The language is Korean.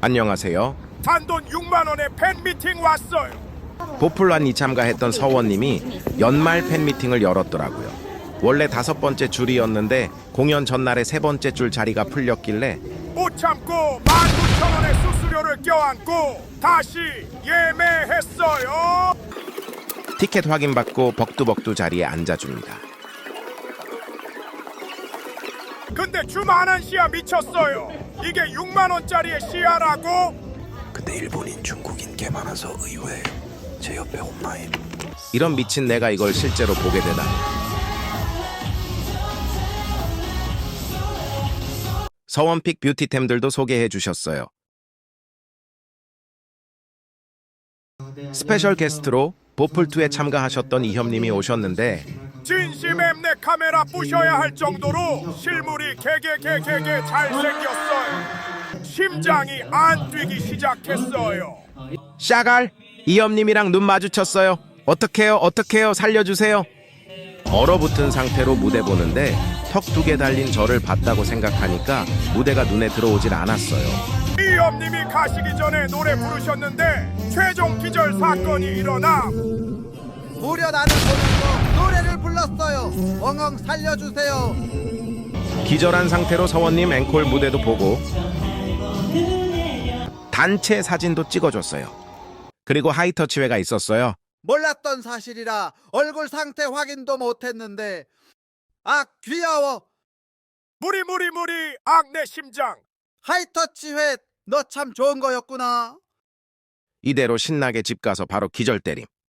안녕하세요. 단돈 6만 원에 팬미팅 왔어요. 보풀란이 참가했던 서원님이 연말 팬미팅을 열었더라고요. 원래 5번째 줄이었는데 공연 전날에 3번째 줄 자리가 풀렸길래 못 참고 19,000원의 수수료를 껴안고 다시 예매했어요. 티켓 확인받고 벅두벅두 자리에 앉아줍니다. 근데 주만한 시야 미쳤어요. 이게 6만 원짜리의 시야라고? 근데 일본인 중국인 개 많아서 의외예요. 제 옆에 엄마임. 이런 미친 내가 이걸 실제로 보게 되다니. 서원픽 뷰티템들도 소개해 주셨어요. 스페셜 게스트로 보풀2에 참가하셨던 이협님이 오셨는데 진심 엠넷 카메라 부셔야 할 정도로 실물이 개개개개개 잘생겼어요. 심장이 안 뛰기 시작했어요. 샤갈, 이협님이랑 눈 마주쳤어요. 어떡해요 살려주세요. 얼어붙은 상태로 무대 보는데 턱 2개 달린 저를 봤다고 생각하니까 무대가 눈에 들어오질 않았어요. 이엄님이 가시기 전에 노래 부르셨는데 최종 기절 사건이 일어나 무려 나를 보면서 노래를 불렀어요. 엉엉 살려주세요. 기절한 상태로 서원님 앵콜 무대도 보고 단체 사진도 찍어줬어요. 그리고 하이터치회가 있었어요. 몰랐던 사실이라 얼굴 상태 확인도 못했는데 아 귀여워. 무리 악내 심장. 하이터치회 너 참 좋은 거였구나. 이대로 신나게 집 가서 바로 기절 때림.